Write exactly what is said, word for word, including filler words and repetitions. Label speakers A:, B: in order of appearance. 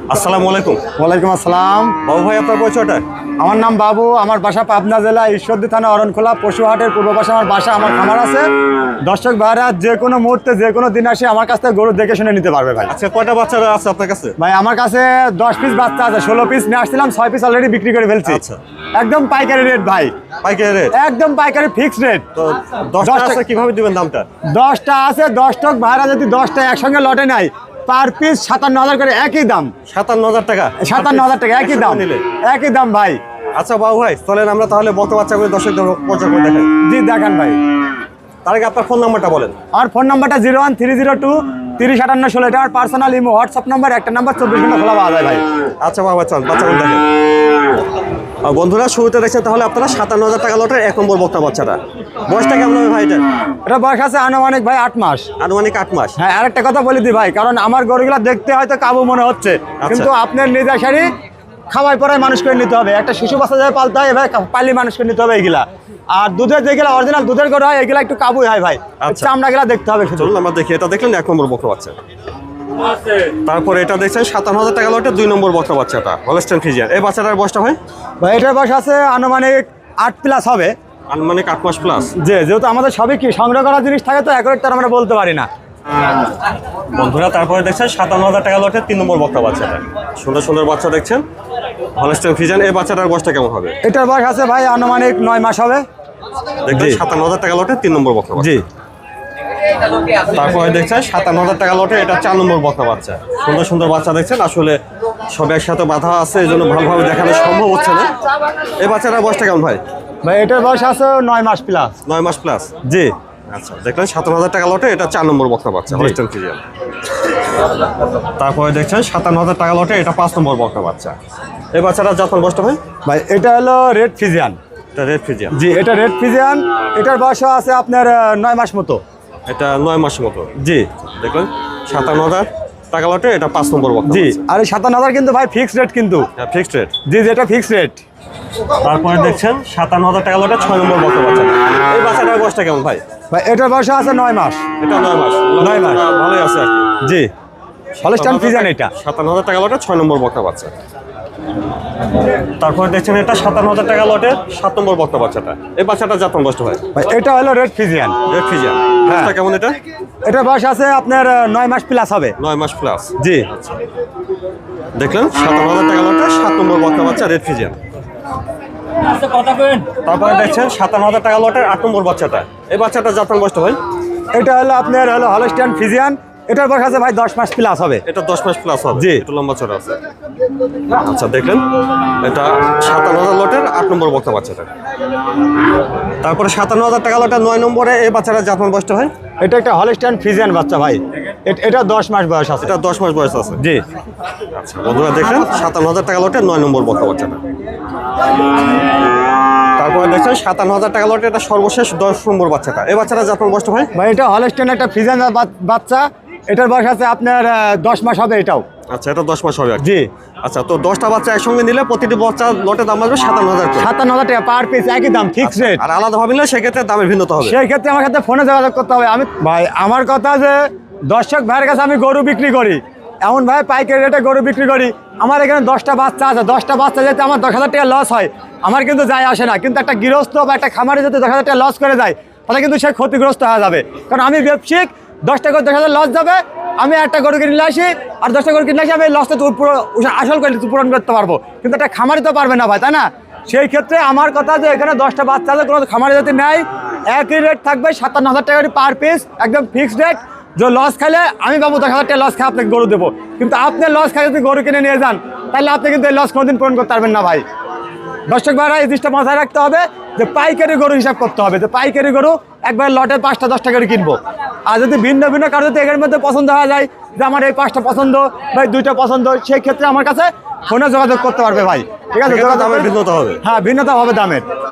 A: আসসালামু আলাইকুম।
B: ওয়ালাইকুম আসসালাম।
A: বাবু ভাই, আপনার পরিচয়টা?
B: আমার নাম বাবু, আমার বাসা পাবনা জেলা ঈশ্বরদী থানা অরণখোলা পশুহাটের পূর্ব পাশে আমার বাসা, আমার খামার আছে। দর্শক ভাইরা যে কোনো মুহূর্তে যে কোনো দিন আসে আমার কাছ থেকে গরু দেখে শুনে নিতে পারবে ভাই।
A: আচ্ছা, কয়টা বাচ্চা আছে আপনার কাছে?
B: ভাই আমার কাছে দশ পিস বাচ্চা আছে, ষোলো পিস নিয়ে আসছিলাম, ছয় পিস অলরেডি বিক্রি করে ফেলছি।
A: আচ্ছা,
B: একদম পাইকারি রেট ভাই,
A: পাইকারি রেট?
B: একদম পাইকারি ফিক্সড রেট।
A: তো দশটা আছে, কিভাবে দিবেন দামটা?
B: দশটা আছে, দশ টক ভাইরা যদি দশটা একসঙ্গে লটে নাই, পার পিস সাতান্ন হাজার করে একই দাম।
A: সাতান্ন হাজার টাকা?
B: সাতান্ন হাজার টাকা একই দাম,
A: নিলে
B: একই দাম ভাই।
A: আচ্ছা বাবু ভাই, চলেন আমরা তাহলে বকনা বাচ্চাগুলো দর্শকদের পরিচয় করে দেখাই।
B: জি দেখান ভাই।
A: তার আগে আপনার ফোন নাম্বারটা বলেন।
B: আমার ফোন নাম্বারটা zero one three zero two তিরিশ আটান্ন ষোলো, এটা আমার পার্সোনাল ইমো হোয়াটসঅ্যাপ নাম্বার, একটা নাম্বার চব্বিশ ঘন্টা খোলা পাওয়া যায় ভাই।
A: আচ্ছা বাবা, চল বাচ্চাগুলো দেখেন। আর বন্ধুরা, শুরুতে দেখছেন তাহলে আপনারা সাতান্ন হাজার টাকা লটের এক নম্বর বকনা বাচ্চাটা। বয়সটা কেমন হবে ভাই এটা?
B: এটা বয়স আছে আনুমানিক ভাই আট মাস।
A: আনুমানিক আট মাস?
B: হ্যাঁ, আরেকটা কথা বলে দিই ভাই, কারণ আমার গরুগুলা দেখতে হয়তো কাবু মনে হচ্ছে, কিন্তু আপনার নিজের শাড়ি খাওয়াই পড়ায় মানুষ করে নিতে হবে। একটা শিশু বাচ্চা যাবে পালতে হয় ভাই, পালি মানুষ করে নিতে হবে এগুলা। আর দুধের যেগুলা অরিজিনাল দুধের গরু হয় এগুলা একটু কাবুই হয় ভাই, চামড়া গেলা দেখতে হবে শুধু।
A: চলুন আমরা দেখি। এটা দেখলেন এক নম্বর বকনা বাচ্চা। তারপরে এটা দেখছেন সাতান্ন হাজার টাকা লটে দুই নম্বর বকনা বাচ্চাটা, হলস্টাইন ফ্রিজিয়ান। এই বাচ্চাটার বয়সটা ভাই?
B: ভাই এটার বয়স আছে আনুমানিক আট প্লাস হবে।
A: আনুমানিক আট মাস প্লাস?
B: যে যেহেতু আমাদের সবই কি সংগ্রহ করা জিনিস থাকে, তো এক তার আমরা বলতে পারি না
A: বন্ধুরা। তারপরে দেখছেন সাতান্ন হাজার টাকা লটে তিন নম্বর বকনা বাচ্চাটা, সুন্দর সুন্দর বাচ্চা দেখছেন, হলস্টাইন ফ্রিজিয়ান। এই বাচ্চাটার বয়সটা কেমন হবে?
B: এটার বয়স আছে ভাই আনুমানিক নয় মাস হবে।
A: দেখবেন সাতান্ন হাজার টাকা লটে তিন নম্বর বকনা বাচ্চা।
B: জি।
A: তারপরে দেখছেন সাতান্ন হাজার টাকা লটে এটা চার নম্বর বকনা বাচ্চা। সুন্দর সুন্দর বাচ্চা দেখছেন, আসলে সব একসাথে বাঁধা আছে, এই জন্য ভালোভাবে দেখানো সম্ভব হচ্ছে না। এই বাচ্চাটার বয়সটা কেমন ভাই?
B: ভাই এটার বয়স আছে নয় মাস প্লাস।
A: নয় মাস প্লাস?
B: জি।
A: আচ্ছা, দেখলেন সাতান্ন হাজার টাকা লটে এটা চার নম্বর বকনা বাচ্চা, হলস্টাইন ফ্রিজিয়ান। তারপরে দেখছেন সাতান্ন হাজার টাকা লটে এটা পাঁচ নম্বর বকনা বাচ্চা। এই বাচ্চাটা যখন বয়সটা ভাই?
B: ভাই এটা হলো রেড ফ্রিজিয়ান।
A: এটা রেড ফ্রিজিয়ান?
B: জি, এটা রেড ফ্রিজিয়ান। এটার বয়স আছে আপনার নয় মাস মতো।
A: এটা নয় মাসের মতো?
B: জি।
A: দেখলেন সাতান্ন হাজার টাকা লটে এটা পাঁচ নম্বর বকনা।
B: জি। আর এই সাতান্ন হাজার কিন্তু ভাই ফিক্সড রেট, কিন্তু
A: ফিক্সড রেট?
B: জি, যেটা ফিক্সড রেট।
A: তারপরে দেখছেন সাতান্ন হাজার টাকা লটে ছয় নম্বর বকনা বাচ্চা। এই বাচ্চাটার বয়সটা কেমন ভাই?
B: ভাই এটার বয়স আছে নয় মাস।
A: এটা নয় মাস?
B: নয় মাস।
A: ভালোই আছে আর কি।
B: জি, হলস্টাইন ফ্রিজিয়ান এটা।
A: সাতান্ন হাজার টাকা লটে ছয় নম্বর বকনা বাচ্চা। তারপরে দেখছেন এটা সাতান্ন হাজার টাকা লটে সাত নম্বর বকনা বাচ্চাটা। এই বাচ্চাটা যখন বয়সটা হয়?
B: ভাই এটা হলো রেড ফ্রিজিয়ান।
A: Red Friesian. বয়সটা কেমন এটা?
B: এটার বয়স আছে আপনার নয় মাস প্লাস হবে।
A: নয় মাস প্লাস?
B: জি।
A: দেখলেন সাতান্ন হাজার টাকা লটে সাত নম্বর বকনা বাচ্চা, রেড ফ্রিজিয়ান। তারপরে দেখছেন সাতান্ন হাজার টাকা লটের আট নম্বর বাচ্চাটা। এই বাচ্চাটা যখন বয়সটা হয়?
B: এটা হলো আপনার হলো হলস্টাইন ফ্রিজিয়ান। এটার বয়স আছে ভাই দশ মাস প্লাস হবে।
A: এটা দশ মাস প্লাস হবে?
B: জি।
A: একটু লম্বা চড়া আছে। আচ্ছা, দেখলেন এটা সাতান্ন হাজার লটের আট নম্বর বকনা বাচ্চাটা। তারপরে সাতান্ন হাজার টাকা লটের নয় নম্বরে এই বাচ্চাটা যখন বয়সটা হয়?
B: এটা একটা হলস্টাইন ফ্রিজিয়ান বাচ্চা ভাই। এটা দশ মাস বয়স আছে।
A: এটা দশ মাস বয়স আছে?
B: জি।
A: আচ্ছা বন্ধুরা, দেখলেন সাতান্ন হাজার টাকা লটের নয় নম্বর বকনা বাচ্চাটা। তারপরে দেখছেন সাতান্ন হাজার টাকা লটে এটা সর্বশেষ দশ নম্বর বাচ্চাটা। এই বাচ্চাটা যখন বয়সটা হয়?
B: ভাই এটা হলস্টাইন একটা ফ্রিজিয়ান বাচ্চা। এটার বয়স আছে আপনার দশ মাস হবে এটাও।
A: আচ্ছা, এটা দশ মাস হবে?
B: জি।
A: আচ্ছা, তো দশটা বাচ্চা একসঙ্গে নিলে প্রতিটি বাচ্চা লটের দাম আসবে সাতান্ন হাজার টাকা?
B: সাতান্ন হাজার টাকা পার পিস, একই দাম, ফিক্সড রেট।
A: আর আলাদা ভাবে নিলে সেক্ষেত্রে দামের ভিন্নতা হবে?
B: সেই ক্ষেত্রে আমার সাথে ফোনে যোগাযোগ করতে হবে। আমি ভাই আমার কথা যে দর্শক ভাইয়ের কাছে আমি গরু বিক্রি করি, এমন ভাই পাইকারি রেটে গরু বিক্রি করি। আমার এখানে দশটা বাচ্চা আছে, দশটা বাচ্চা যেতে আমার দশ হাজার টাকা লস হয়, আমার কিন্তু যায় আসে না। কিন্তু একটা গৃহস্থ বা একটা খামারে যদি দশ হাজার টাকা লস করে যায়, তাহলে কিন্তু সে ক্ষতিগ্রস্ত হয়ে যাবে। কারণ আমি ব্যবসায়িক, দশটা করে দশ হাজার লস যাবে, আমি একটা গরু কিনে আসি আর দশটা গরু কিনে আসি, আমি এই লসটা আসল করে পূরণ করতে পারবো, কিন্তু একটা খামারি তো পারবে না ভাই, তাই না? সেই ক্ষেত্রে আমার কথা যে এখানে দশটা বাচ্চা আছে, কোনো খামারে যদি নেয় একই রেট থাকবে সাতান্ন হাজার টাকা পার পিস, একদম ফিক্সড রেট। যে লস খাইলে আমি বাবু দশ হাজার টাকা লস খাই আপনাকে গরু দেবো, কিন্তু আপনি লস খাই যদি গরু কিনে নিয়ে যান, তাহলে আপনি কিন্তু এই লস কোনোদিন পূরণ করতে পারবেন না ভাই। দর্শক ভাইরা এই জিনিসটা মাথায় রাখতে হবে যে পাইকারি গরু হিসাব করতে হবে, যে পাইকারি গরু একবার লটে পাঁচটা দশটা করে কিনবো। আর যদি ভিন্ন ভিন্ন কারো যদি এর মধ্যে পছন্দ হওয়া যায় যে আমার এই পাঁচটা পছন্দ বা দুইটা পছন্দ, সেই ক্ষেত্রে আমার কাছে ফোনে যোগাযোগ করতে পারবে ভাই। ঠিক আছে,
A: দামের ভিন্নতা হবে?
B: হ্যাঁ, ভিন্নতা হবে দামের।